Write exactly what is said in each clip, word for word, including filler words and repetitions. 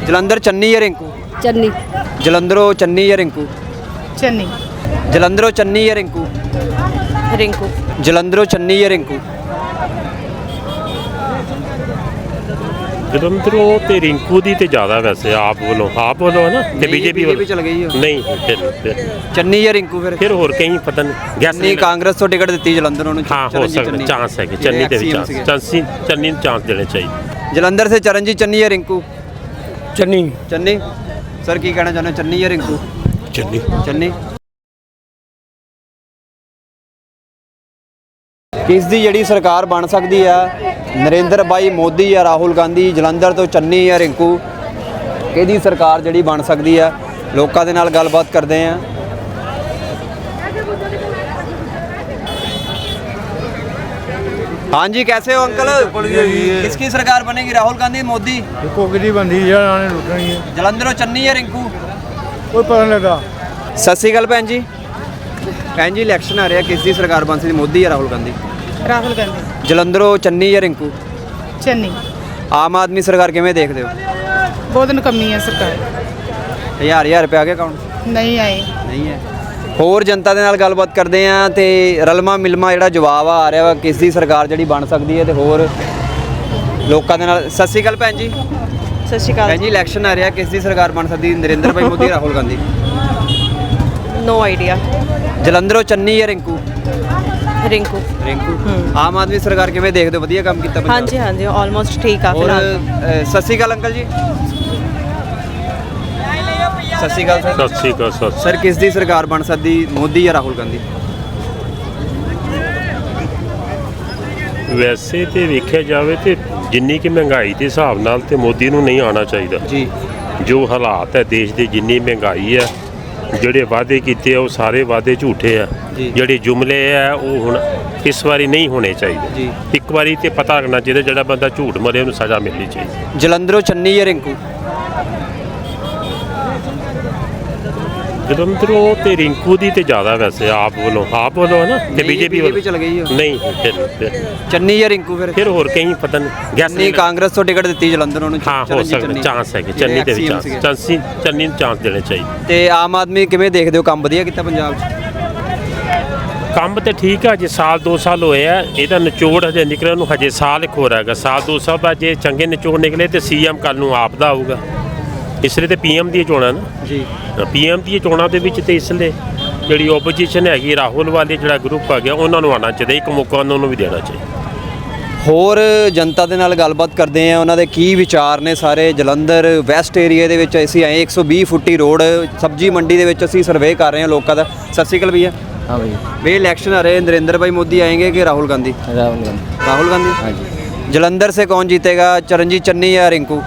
ਜਲੰਧਰ ਚੰਨੀ ਜਾਂ ਰਿੰਕੂ? ਚੰਨੀ। ਜਲੰਧਰੋਂ ਚੰਨੀ ਜਾਂ ਰਿੰਕੂ? ਚੰਨੀ। ਜਲੰਧਰੋਂ ਚੰਨੀ ਜਾਂ ਰਿੰਕੂ? ਰਿੰਕੂ। ਜਲੰਧਰੋਂ ਚੰਨੀ ਜਾਂ ਰਿੰਕੂ? ਜਲੰਧਰੋਂ ਤੇ ਰਿੰਕੂ ਦੀ ਤੇ ਜ਼ਿਆਦਾ ਵੈਸੇ ਆਪ ਵੱਲੋਂ ਆਪ ਵੱਲੋਂ ਹੈ ਨਾ ਤੇ ਬੀਜੇਪੀ ਵੱਲੋਂ ਚਲ ਗਈ ਹੋ। ਨਹੀਂ ਫਿਰ ਫਿਰ ਚੰਨੀ ਜਾਂ ਰਿੰਕੂ? ਫਿਰ ਫਿਰ ਹੋਰ ਕਈ ਪਤਾ ਨਹੀਂ ਗੈਸ ਨਹੀਂ ਕਾਂਗਰਸ ਤੋਂ ਟਿਕਟ ਦਿੱਤੀ ਜਲੰਧਰ ਨੂੰ। ਹਾਂ ਹੋ ਸਕਦਾ ਚਾਂਸ ਹੈ ਕਿ ਚੰਨੀ ਦੇ ਵੀ ਚਾਂਸ ਚਾਂਸੀ ਚੰਨੀ ਨੂੰ ਚਾਂਸ ਦੇਣੇ ਚਾਹੀਦੇ। ਜਲੰਧਰ ਸੇ ਚਰਨਜੀਤ ਚੰਨੀ ਜਾਂ ਰਿੰਕੂ? ਚੰਨੀ। ਚੰਨੀ। ਸਰ ਕੀ ਕਹਿਣਾ ਚਾਹੁੰਦੇ ਹੋ, ਚੰਨੀ ਜਾਂ ਰਿੰਕੂ? ਚੰਨੀ। ਚੰਨੀ। ਕਿਸ ਦੀ ਜਿਹੜੀ ਸਰਕਾਰ ਬਣ ਸਕਦੀ ਆ, ਨਰਿੰਦਰ ਭਾਈ ਮੋਦੀ ਜਾਂ ਰਾਹੁਲ ਗਾਂਧੀ? ਜਲੰਧਰ ਤੋਂ ਚੰਨੀ ਜਾਂ ਰਿੰਕੂ, ਕਿਹਦੀ ਸਰਕਾਰ ਜਿਹੜੀ ਬਣ ਸਕਦੀ ਆ? ਲੋਕਾਂ ਦੇ ਨਾਲ ਗੱਲਬਾਤ ਕਰਦੇ ਆ। हाँ जी, कैसे हो अंकल? किसकी सरकार बनेगी, राहुल गांधी मोदी? कोकरी बंदी आने लुटनी है। जलंधरों चन्नी या रिंकू? कोई पता नहीं लगा। सत श्री अकाल भैन जी। भैन जी इलैक्शन आ रहा है, किसकी सरकार बन सकती, मोदी या राहुल गांधी? राहुल गांधी। जलंधरों चन्नी या रिंकू? चन्नी। आम आदमी सरकार किवें देखदे हो? बहुत नकम्मी है सरकार। हज़ार हज़ार रुपये आ गए अकाउंट? नहीं आए। नहीं है। ਹੋਰ ਜਨਤਾ ਦੇ ਨਾਲ ਗੱਲਬਾਤ ਕਰਦੇ ਆ ਤੇ ਰਲਮਾ ਮਿਲਮਾ ਜਿਹੜਾ ਜਵਾਬ ਆ ਰਿਹਾ ਵਾ ਕਿਸ ਦੀ ਸਰਕਾਰ ਜਿਹੜੀ ਬਣ ਸਕਦੀ ਹੈ ਤੇ ਹੋਰ ਲੋਕਾਂ ਦੇ ਨਾਲ। ਸਤਿ ਸ਼੍ਰੀ ਅਕਾਲ ਭੈਣ ਜੀ। ਸਤਿ ਸ਼੍ਰੀ ਅਕਾਲ ਭੈਣ ਜੀ ਇਲੈਕਸ਼ਨ ਆ ਰਿਹਾ, ਕਿਸ ਦੀ ਸਰਕਾਰ ਬਣ ਸਕਦੀ, ਨਰਿੰਦਰ ਭਾਈ ਮੋਦੀ ਰਾਹੁਲ ਗਾਂਧੀ? No idea. ਜਲੰਧਰੋਂ ਚੰਨੀ ਜਾਂ ਰਿੰਕੂ? ਰਿੰਕੂ। ਰਿੰਕੂ। ਆਮ ਆਦਮੀ ਸਰਕਾਰ ਕਿਵੇਂ ਦੇਖਦੇ ਹੋ, ਵਧੀਆ ਕੰਮ ਕੀਤਾ ਪੰਜਾਬ? ਹਾਂਜੀ ਹਾਂਜੀ ਆਲਮੋਸਟ ਠੀਕ ਆ ਔਰ ਫਿਲਹਾਲ। ਅ, ਸਤਿ ਸ਼੍ਰੀ ਅਕਾਲ ਅੰਕਲ ਜੀ। ਸਤਿ ਸ਼੍ਰੀ ਅਕਾਲ ਸਰ। ਸਤਿ ਸ਼੍ਰੀ ਅਕਾਲ ਸਤਿ ਸਰ ਕਿਸ ਦੀ ਸਰਕਾਰ ਬਣ ਸਕਦੀ, ਮੋਦੀ ਜਾਂ ਰਾਹੁਲ ਗਾਂਧੀ? ਵੈਸੇ ਤੇ ਵੇਖਿਆ ਜਾਵੇ ਤੇ ਜਿੰਨੀ ਕਿ ਮਹਿੰਗਾਈ ਦੇ ਹਿਸਾਬ ਨਾਲ ਤੇ ਮੋਦੀ ਨੂੰ ਨਹੀਂ ਆਉਣਾ ਚਾਹੀਦਾ ਜੀ। ਜੋ ਹਾਲਾਤ ਹੈ ਦੇਸ਼ ਦੇ, ਜਿੰਨੀ ਮਹਿੰਗਾਈ ਹੈ, ਜਿਹੜੇ ਵਾਅਦੇ ਕੀਤੇ ਆ ਉਹ ਸਾਰੇ ਵਾਅਦੇ ਝੂਠੇ ਆ। ਜੀ। ਜਿਹੜੇ ਜੁਮਲੇ ਆ ਉਹ ਹੁਣ ਇਸ ਵਾਰੀ ਨਹੀਂ ਹੋਣੇ ਚਾਹੀਦੇ। ਜੀ। ਇੱਕ ਵਾਰੀ ਤੇ ਪਤਾ ਲੱਗਣਾ ਚਾਹੀਦਾ ਜਿਹੜਾ ਬੰਦਾ ਝੂਠ ਮਰੇ ਉਹਨੂੰ ਸਜ਼ਾ ਮਿਲਣੀ ਚਾਹੀਦੀ। ਜਲੰਧਰੋਂ ਚੰਨੀ ਜਾਂ ਰਿੰਕੂ? ਜਲੰਧਰੋਂ ਤੇ ਰਿੰਕੂ ਦੀ ਤੇ ਜ਼ਿਆਦਾ ਵੈਸੇ ਆਪ ਵੱਲੋਂ ਆਪ ਵੱਲੋਂ ਹੈ ਨਾ ਤੇ ਬੀਜੇਪੀ ਵੱਲੋਂ ਚਲ ਗਈ ਹੋ। ਨਹੀਂ ਫਿਰ ਫਿਰ ਚੰਨੀ ਜਾਂ ਰਿੰਕੂ? ਫਿਰ ਫਿਰ ਹੋਰ ਕਈ ਪਤਾ ਨਹੀਂ ਗੈਸ ਨਹੀਂ ਕਾਂਗਰਸ ਤੋਂ ਟਿਕਟ ਦਿੱਤੀ ਜਲੰਧਰ ਨੂੰ। ਹਾਂ ਹੋ ਸਕਦਾ ਚਾਂਸ ਹੈ ਕਿ ਚੰਨੀ ਦੇ ਵੀ ਚਾਂਸ ਚਾਂਸੀ ਚੰਨੀ ਨੂੰ ਚਾਂਸ ਦੇਣੇ ਚਾਹੀਦੇ। ਤੇ ਆਮ ਆਦਮੀ ਕਿਵੇਂ ਦੇਖਦੇ ਹੋ, ਕੰਮ ਵਧੀਆ ਕੀਤਾ ਪੰਜਾਬ 'ਚ? ਕੰਮ ਤੇ ਠੀਕ ਆ, ਜੇ ਸਾਲ ਦੋ ਸਾਲ ਹੋਏ ਆ, ਇਹਦਾ ਨਿਚੋੜ ਹਜੇ ਨਿਕਲਣ ਨੂੰ ਹਜੇ ਸਾਲ ਇੱਕ ਹੋਰ ਹੈਗਾ। ਸਾਲ ਦੋ ਸਾਲ ਬਾਅਦ ਜੇ ਚੰਗੇ ਨਿਚੋੜ ਨਿਕਲੇ ਤੇ ਸੀਐਮ ਕੱਲ ਨੂੰ ਆਪ ਦਾ ਆਊਗਾ। ਇਸ ਲਈ ਤੇ ਪੀਐਮ ਦੀਆਂ ਚੋਣਾਂ ਨਾ ਜੀ। ਪੀਐਮ ਦੀਆਂ ਚੋਣਾਂ ਦੇ ਵਿੱਚ ਤੇ ਇਸ ਲਈ ਜਿਹੜੀ ਓਪੋਜੀਸ਼ਨ ਹੈਗੀ ਰਾਹੁਲ ਵਾਲੇ ਜਿਹੜਾ ਗਰੁੱਪ ਆ ਗਿਆ ਉਹਨਾਂ ਨੂੰ ਆਉਣਾ ਚਾਹੀਦਾ, ਇੱਕ ਮੌਕਾ ਉਹਨਾਂ ਨੂੰ ਵੀ ਦੇਣਾ ਚਾਹੀਦਾ। ਹੋਰ ਜਨਤਾ ਦੇ ਨਾਲ ਗੱਲਬਾਤ ਕਰਦੇ ਆ, ਉਹਨਾਂ ਦੇ ਕੀ ਵਿਚਾਰ ਨੇ ਸਾਰੇ। ਜਲੰਧਰ ਵੈਸਟ ਏਰੀਆ ਦੇ ਵਿੱਚ ਅਸੀਂ ਆਏ, ਇੱਕ ਸੌ ਵੀਹ ਫੁੱਟੀ ਰੋਡ ਸਬਜ਼ੀ ਮੰਡੀ ਦੇ ਵਿੱਚ ਅਸੀਂ ਸਰਵੇ ਕਰ ਰਹੇ ਹਾਂ ਲੋਕਾਂ ਦਾ। ਸਤਿ ਸ਼੍ਰੀ ਅਕਾਲ ਭਈਆ। हाँ भाई। भैया इलेक्शन आ रहे हैं, नरेंद्र भाई मोदी आएंगे कि राहुल गांधी? राहुल गांधी। राहुल गांधी। हाँ जी। जलंधर से कौन जीतेगा, चरणजीत चन्नी या रिंकू?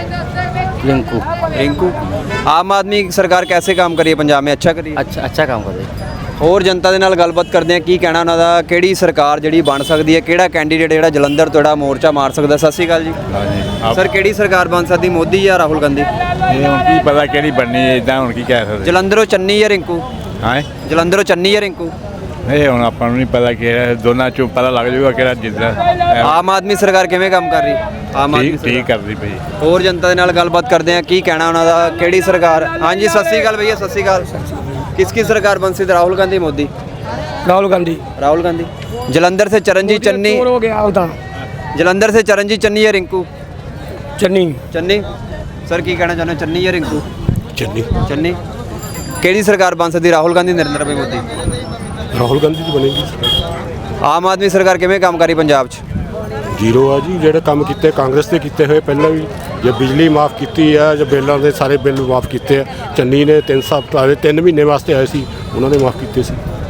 रिंकू। रिंकू। आम आदमी सरकार कैसे काम करी है पंजाब में, अच्छा करी है? अच्छा अच्छा काम कर रही। ਹੋਰ ਜਨਤਾ ਦੇ ਨਾਲ ਗੱਲਬਾਤ ਕਰਦੇ ਆ, ਕੀ ਕਹਿਣਾ ਉਹਨਾਂ ਦਾ, ਕਿਹੜੀ ਸਰਕਾਰ ਜਿਹੜੀ ਬਣ ਸਕਦੀ ਹੈ, ਕਿਹੜਾ ਕੈਂਡੀਡੇਟ ਜਿਹੜਾ ਜਲੰਧਰ ਤੋਂ ਜਿਹੜਾ ਮੋਰਚਾ ਮਾਰ ਸਕਦਾ? ਸਤਿ ਸ਼੍ਰੀ ਅਕਾਲ ਜੀ। ਸਰ ਕਿਹੜੀ ਸਰਕਾਰ ਬਣ ਸਕਦੀ, ਮੋਦੀ ਜਾਂ ਰਾਹੁਲ ਗਾਂਧੀ? ਇਹ ਹੁਣ ਕੀ ਪਤਾ ਕਿਹੜੀ ਬਣਨੀ ਹੈ, ਇਦਾਂ ਹੁਣ ਕੀ ਕਹਿ ਸਕਦੇ। ਜਲੰਧਰੋਂ ਚੰਨੀ ਜਾਂ ਰਿੰਕੂ? ਹਾਂ ਜਲੰਧਰੋਂ ਚੰਨੀ ਜਾਂ ਰਿੰਕੂ? ਇਹ ਹੁਣ ਆਪਾਂ ਨੂੰ ਨਹੀਂ ਪਤਾ ਕਿਹੜਾ, ਦੋਨਾਂ ਚੋਂ ਪਤਾ ਲੱਗ ਜਾਊਗਾ ਕਿਹੜਾ ਜਿੱਤਦਾ। ਆਮ ਆਦਮੀ ਸਰਕਾਰ ਕਿਵੇਂ ਕੰਮ ਕਰ ਰਹੀ? ਆਮ ਆਦਮੀ ਠੀਕ ਠੀਕ ਕਰਦੀ ਪਈ। ਹੋਰ ਜਨਤਾ ਦੇ ਨਾਲ ਗੱਲਬਾਤ ਕਰਦੇ ਆ, ਕੀ ਕਹਿਣਾ ਉਹਨਾਂ ਦਾ, ਕਿਹੜੀ ਸਰਕਾਰ? ਹਾਂਜੀ ਸਤਿ ਸ਼੍ਰੀ ਅਕਾਲ ਭਈਆ। ਸਤਿ ਸ਼੍ਰੀ ਅਕਾਲ। किसकी सरकार बन सकती, राहुल गांधी मोदी? राहुल गांधी। राहुल गांधी। जलंधर से चरणजीत चन्नी? हो गया उधर। जलंधर से चरणजीत चन्नी या रिंकू? चन्नी। चन्नी। सर की कहना चाहते हो, चन्नी या रिंकू? ਚੰਨੀ। चन्नी। केड़ी सरकार बन सकती, राहुल गांधी नरेंद्र भाई मोदी? ਰਾਹੁਲ ਗਾਂਧੀ ਦੀ ਬਣੇਗੀ। आम आदमी सरकार किवें काम करी पंजाब च? ਜ਼ੀਰੋ ਆ ਜੀ, ਜਿਹੜੇ ਕੰਮ ਕੀਤੇ ਕਾਂਗਰਸ ਦੇ ਕੀਤੇ ਹੋਏ ਪਹਿਲਾਂ ਵੀ, ਜੇ ਬਿਜਲੀ ਮਾਫ ਕੀਤੀ ਆ, ਜਾਂ ਬਿੱਲਾਂ ਦੇ ਸਾਰੇ ਬਿੱਲ ਮਾਫ ਕੀਤੇ ਆ। ਚੰਨੀ ਨੇ ਤਿੰਨ ਸਾਲ ਤਿੰਨ ਮਹੀਨੇ ਵਾਸਤੇ ਆਏ ਸੀ, ਉਹਨਾਂ ਨੇ ਮਾਫ ਕੀਤੇ ਸੀ।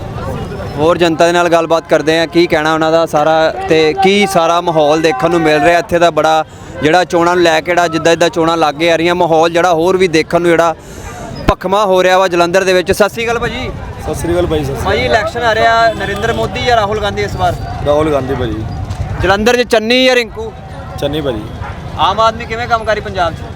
ਹੋਰ ਜਨਤਾ ਦੇ ਨਾਲ ਗੱਲਬਾਤ ਕਰਦੇ ਆ, ਕੀ ਕਹਿਣਾ ਉਹਨਾਂ ਦਾ ਸਾਰਾ, ਤੇ ਕੀ ਸਾਰਾ ਮਾਹੌਲ ਦੇਖਣ ਨੂੰ ਮਿਲ ਰਿਹਾ ਇੱਥੇ ਦਾ ਬੜਾ, ਜਿਹੜਾ ਚੋਣਾਂ ਨੂੰ ਲੈ ਕੇ ਜਿਹੜਾ ਜਿੱਦਾਂ ਜਿੱਦਾਂ ਚੋਣਾਂ ਲੱਗੇ ਆ ਰਹੀਆਂ, ਮਾਹੌਲ ਜਿਹੜਾ ਹੋਰ ਵੀ ਦੇਖਣ ਨੂੰ ਜਿਹੜਾ ਭਖਮਾ ਹੋ ਰਿਹਾ ਵਾ ਜਲੰਧਰ ਦੇ ਵਿੱਚ। ਸਤਿ ਸ਼੍ਰੀ ਅਕਾਲ ਭਾਜੀ। सत श्री अकाल भाई। ਭਾਜੀ ਇਲੈਕਸ਼ਨ ਆ ਰਿਹਾ, ਨਰਿੰਦਰ ਮੋਦੀ ਜਾਂ ਰਾਹੁਲ ਗਾਂਧੀ ਇਸ ਵਾਰ? राहुल गांधी भाजी। ਜਲੰਧਰ 'ਚ ਚੰਨੀ ਜਾਂ ਰਿੰਕੂ? चन्नी भाजी। ਆਮ ਆਦਮੀ ਕਿਵੇਂ ਕੰਮ ਕਰੀ ਪੰਜਾਬ 'ਚ?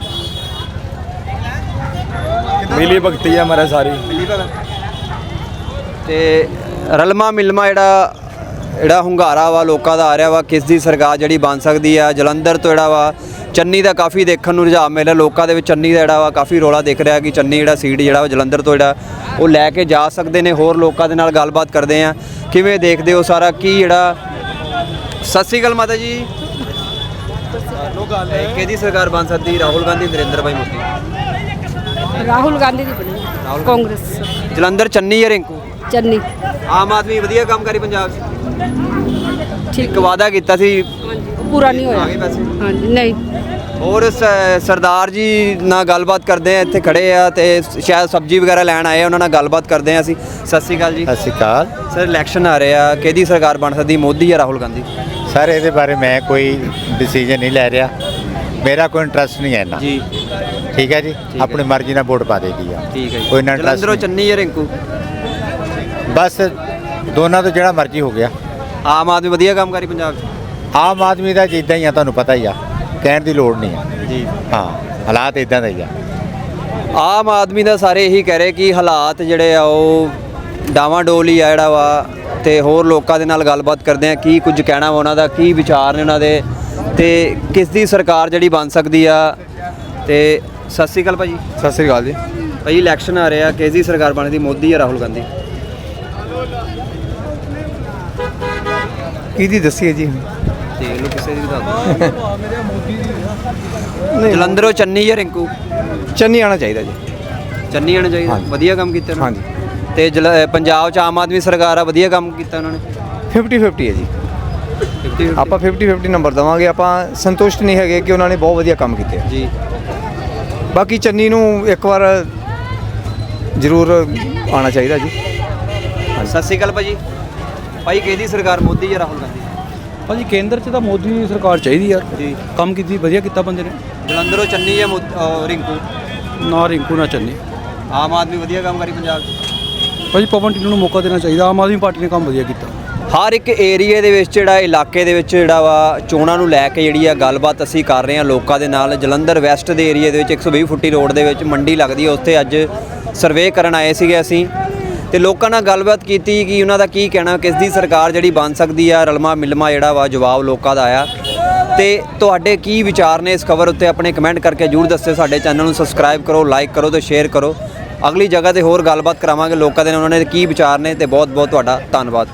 मिली भगती है हमारे सारी। ਮਿਲੀ ਭਗਤ ਤੇ ਰਲਮਾ ਮਿਲਮਾ ਜਿਹੜਾ ਜਿਹੜਾ ਹੁੰਗਾਰਾ ਵਾ ਲੋਕਾਂ ਦਾ ਆ ਰਿਹਾ ਵਾ, ਕਿਸ ਦੀ ਸਰਕਾਰ ਜਿਹੜੀ ਬਣ ਸਕਦੀ ਆ? ਜਲੰਧਰ ਤੋਂ ਜਿਹੜਾ ਵਾ ਚੰਨੀ ਦਾ ਕਾਫੀ ਦੇਖਣ ਨੂੰ ਰੁਝਾਨ ਮਿਲ ਰਿਹਾ ਲੋਕਾਂ ਦੇ ਵਿੱਚ। ਚੰਨੀ ਦਾ ਜਿਹੜਾ ਵਾ ਕਾਫੀ ਰੌਲਾ ਦਿਖ ਰਿਹਾ ਕਿ ਚੰਨੀ ਜਿਹੜਾ ਸੀਟ ਜਿਹੜਾ ਵਾ ਜਲੰਧਰ ਤੋਂ ਜਿਹੜਾ ਉਹ ਲੈ ਕੇ ਜਾ ਸਕਦੇ ਨੇ। ਹੋਰ ਲੋਕਾਂ ਦੇ ਨਾਲ ਗੱਲਬਾਤ ਕਰਦੇ ਆ, ਕਿਵੇਂ ਦੇਖਦੇ ਹੋ ਸਾਰਾ ਕੀ ਜਿਹੜਾ। ਸਤਿ ਸ਼੍ਰੀ ਅਕਾਲ ਮਾਤਾ ਜੀ। ਕਿਹਦੀ ਸਰਕਾਰ ਬਣ ਸਕਦੀ, ਰਾਹੁਲ ਗਾਂਧੀ, ਨਰਿੰਦਰ ਭਾਈ ਮੋਦੀ? ਰਾਹੁਲ ਗਾਂਧੀ ਦੀ ਬਣੀ ਕਾਂਗਰਸ। ਜਲੰਧਰ ਚੰਨੀ ਜਾਂ ਰਿੰਕੂ? ਚੰਨੀ। ਆਮ ਆਦਮੀ ਵਧੀਆ ਕੰਮ ਕਰੀ ਪੰਜਾਬ 'ਚ? ਠੀਕ ਇੱਕ ਵਾਅਦਾ ਕੀਤਾ ਸੀ, ਪੂਰਾ ਨਹੀਂ ਹੋਇਆ। ਆ ਗਏ ਪੈਸੇ? ਹਾਂਜੀ ਨਹੀਂ। ਹੋਰ ਸ- ਸਰਦਾਰ ਜੀ ਨਾਲ ਗੱਲਬਾਤ ਕਰਦੇ ਆ, ਇੱਥੇ ਖੜੇ ਆ ਤੇ ਸ਼ਾਇਦ ਸਬਜ਼ੀ ਵਗੈਰਾ ਲੈਣ ਆਏ ਆ, ਉਹਨਾਂ ਨਾਲ ਗੱਲਬਾਤ ਕਰਦੇ ਆ ਅਸੀਂ। ਸਤਿ ਸ਼੍ਰੀ ਅਕਾਲ ਜੀ। ਸਤਿ ਸ਼੍ਰੀ ਅਕਾਲ ਸਰ ਇਲੈਕਸ਼ਨ ਆ ਰਿਹਾ, ਕਿਹਦੀ ਸਰਕਾਰ ਬਣ ਸਕਦੀ, ਮੋਦੀ ਜਾਂ ਰਾਹੁਲ ਗਾਂਧੀ? ਸਰ, ਇਹਦੇ ਬਾਰੇ ਮੈਂ ਕੋਈ ਡਿਸੀਜਨ ਨਹੀਂ ਲੈ ਰਿਹਾ, ਮੇਰਾ ਕੋਈ ਇੰਟਰਸਟ ਨਹੀਂ ਹੈ ਇੰਨਾ। ਜੀ ਠੀਕ ਹੈ ਜੀ, ਹੈ। ਆਪਣੀ ਮਰਜ਼ੀ ਨਾਲ ਵੋਟ ਪਾ ਦੇਗੀ ਆ। ਠੀਕ ਹੈ ਜੀ। ਕੋਈ ਇੰਨਾ ਇੰਟਰਸਟ ਜਲੰਧਰੋਂ ਚੰਨੀ ਜਾਂ ਰਿੰਕੂ? ਬਸ ਦੋਨਾਂ ਤੋਂ ਜਿਹੜਾ ਮਰਜ਼ੀ ਹੋ ਗਿਆ। ਆਮ ਆਦਮੀ ਵਧੀਆ ਕੰਮ ਕਰੀ ਪੰਜਾਬ 'ਚ? ਆਮ ਆਦਮੀ ਦਾ ਜਿੱਦਾਂ ਹੀ ਆ, ਤੁਹਾਨੂੰ ਪਤਾ ਹੀ ਆ, ਕਹਿਣ ਦੀ ਲੋੜ ਨਹੀਂ ਆ। ਜੀ ਹਾਂ, ਹਾਲਾਤ ਇਦਾਂ ਦੇ ਹੀ ਆ। ਆਮ ਆਦਮੀ ਦਾ ਸਾਰੇ ਇਹੀ ਕਹਿ ਰਹੇ ਕਿ ਹਾਲਾਤ ਜਿਹੜੇ ਆ ਉਹ ਡਾਵਾਂਡੋਲ ਹੀ ਆ ਜਿਹੜਾ ਵਾ। ਤੇ ਹੋਰ ਲੋਕਾਂ ਦੇ ਨਾਲ ਗੱਲਬਾਤ ਕਰਦੇ ਆ, ਕੀ ਕੁਝ ਕਹਿਣਾ ਵਾ ਉਹਨਾਂ ਦਾ, ਕੀ ਵਿਚਾਰ ਨੇ ਉਹਨਾਂ ਦੇ, ਤੇ ਕਿਸ ਦੀ ਸਰਕਾਰ ਜਿਹੜੀ ਬਣ ਸਕਦੀ ਆ। ਤੇ ਸਤਿ ਸ਼੍ਰੀ ਅਕਾਲ ਭਾਜੀ। ਸਤਿ ਸ੍ਰੀ ਅਕਾਲ ਜੀ। ਭਾਈ ਇਲੈਕਸ਼ਨ ਆ ਰਿਹਾ, ਕਿਸ ਦੀ ਸਰਕਾਰ ਬਣਦੀ, ਮੋਦੀ ਜਾਂ ਰਾਹੁਲ ਗਾਂਧੀ? ਕਿਹਦੀ ਦੱਸੀਏ ਜੀ? ਦੇਖ ਲਓ ਕਿਸੇ ਦੀ ਵੀ ਦੱਸ ਦਿਓ। ਜਲੰਧਰੋਂ ਚੰਨੀ ਜਾਂ ਰਿੰਕੂ? ਚੰਨੀ ਆਣਾ ਚਾਹੀਦਾ ਜੀ। ਚੰਨੀ ਆਣਾ ਚਾਹੀਦਾ, ਹਾਂਜੀ। ਵਧੀਆ ਕੰਮ ਕੀਤਾ ਉਹਨਾਂ ਨੇ। ਹਾਂਜੀ। ਤੇ ਜਲ ਅ, ਪੰਜਾਬ 'ਚ ਆਮ ਆਦਮੀ ਸਰਕਾਰ ਆ, ਵਧੀਆ ਕੰਮ ਕੀਤਾ ਉਹਨਾਂ ਨੇ। ਫਿਫਟੀ ਫਿਫਟੀ ਹੈ ਜੀ। ਫਿਫਟੀ ਆਪਾਂ ਫਿਫਟੀ ਫਿਫਟੀ ਨੰਬਰ ਦਵਾਂਗੇ। ਆਪਾਂ ਸੰਤੁਸ਼ਟ ਨਹੀਂ ਹੈਗੇ ਕਿ ਉਹਨਾਂ ਨੇ ਬਹੁਤ ਵਧੀਆ ਕੰਮ ਕੀਤੇ ਆ। ਜੀ। ਬਾਕੀ ਚੰਨੀ ਨੂੰ ਇੱਕ ਵਾਰ ਜ਼ਰੂਰ ਆਉਣਾ ਚਾਹੀਦਾ ਜੀ। ਸਤਿ ਸ਼੍ਰੀ ਅਕਾਲ ਭਾਜੀ। ਭਾਈ ਕਿਹਦੀ ਸਰਕਾਰ, ਮੋਦੀ ਜਾਂ ਰਾਹੁਲ ਗਾਂਧੀ? ਭਾਜੀ ਕੇਂਦਰ 'ਚ ਤਾਂ ਮੋਦੀ ਦੀ ਸਰਕਾਰ ਚਾਹੀਦੀ ਯਾਰ। ਜੀ। ਕੰਮ ਕੀਤੀ, ਵਧੀਆ ਕੀਤਾ ਬੰਦੇ ਨੇ। ਜਲੰਧਰੋਂ ਚੰਨੀ ਜਾਂ ਮੋ- ਅ, ਰਿੰਕੂ? ਨਾ ਰਿੰਕੂ ਨਾ ਚੰਨੀ। ਆਮ ਆਦਮੀ ਵਧੀਆ ਕੰਮ ਕਰੀ ਪੰਜਾਬ 'ਚ? ਭਾਜੀ ਪਵਨ ਟਿੰਨੂ ਨੂੰ ਮੌਕਾ ਦੇਣਾ ਚਾਹੀਦਾ, ਆਮ ਆਦਮੀ ਪਾਰਟੀ ਨੇ ਕੰਮ ਵਧੀਆ ਕੀਤਾ। ਹਰ ਇੱਕ ਏਰੀਏ ਦੇ ਵਿੱਚ ਜਿਹੜਾ ਇਲਾਕੇ ਦੇ ਵਿੱਚ ਜਿਹੜਾ ਵਾ ਚੋਣਾਂ ਨੂੰ ਲੈ ਕੇ ਜਿਹੜੀ ਆ ਗੱਲਬਾਤ ਅਸੀਂ ਕਰ ਰਹੇ ਹਾਂ ਲੋਕਾਂ ਦੇ ਨਾਲ। ਜਲੰਧਰ ਵੈਸਟ ਦੇ ਏਰੀਏ ਦੇ ਵਿੱਚ ਇੱਕ ਸੌ ਵੀਹ ਫੁੱਟੀ ਰੋਡ ਦੇ ਵਿੱਚ ਮੰਡੀ ਲੱਗਦੀ ਹੈ, ਉੱਥੇ ਅੱਜ ਸਰਵੇ ਕਰਨ ਆਏ ਸੀਗੇ ਅਸੀਂ ਤੇ ਲੋਕਾਂ ਨਾਲ ਗੱਲਬਾਤ ਕੀਤੀ ਕਿ ਉਹਨਾਂ ਦਾ ਕੀ ਕਹਿਣਾ, ਕਿਸ ਦੀ ਸਰਕਾਰ ਜਿਹੜੀ ਬਣ ਸਕਦੀ ਆ। ਰਲਮਾ ਮਿਲਮਾ ਜਿਹੜਾ ਵਾ ਜਵਾਬ ਲੋਕਾਂ ਦਾ ਆਇਆ। ਤੇ ਤੁਹਾਡੇ ਕੀ ਵਿਚਾਰ ਨੇ ਇਸ ਖਬਰ ਉੱਤੇ ਆਪਣੇ ਕਮੈਂਟ ਕਰਕੇ ਜ਼ਰੂਰ ਦੱਸਿਓ। ਸਾਡੇ ਚੈਨਲ ਨੂੰ ਸਬਸਕ੍ਰਾਈਬ ਕਰੋ, ਲਾਈਕ ਕਰੋ ਤੇ ਸ਼ੇਅਰ ਕਰੋ। ਅਗਲੀ ਜਗ੍ਹਾ ਤੇ ਹੋਰ ਗੱਲਬਾਤ ਕਰਾਵਾਂਗੇ ਲੋਕਾਂ ਦੇ ਨਾਲ, ਉਹਨਾਂ ਦੇ ਕੀ ਵਿਚਾਰ ਨੇ। ਤੇ ਬਹੁਤ ਬਹੁਤ ਤੁਹਾਡਾ ਧੰਨਵਾਦ।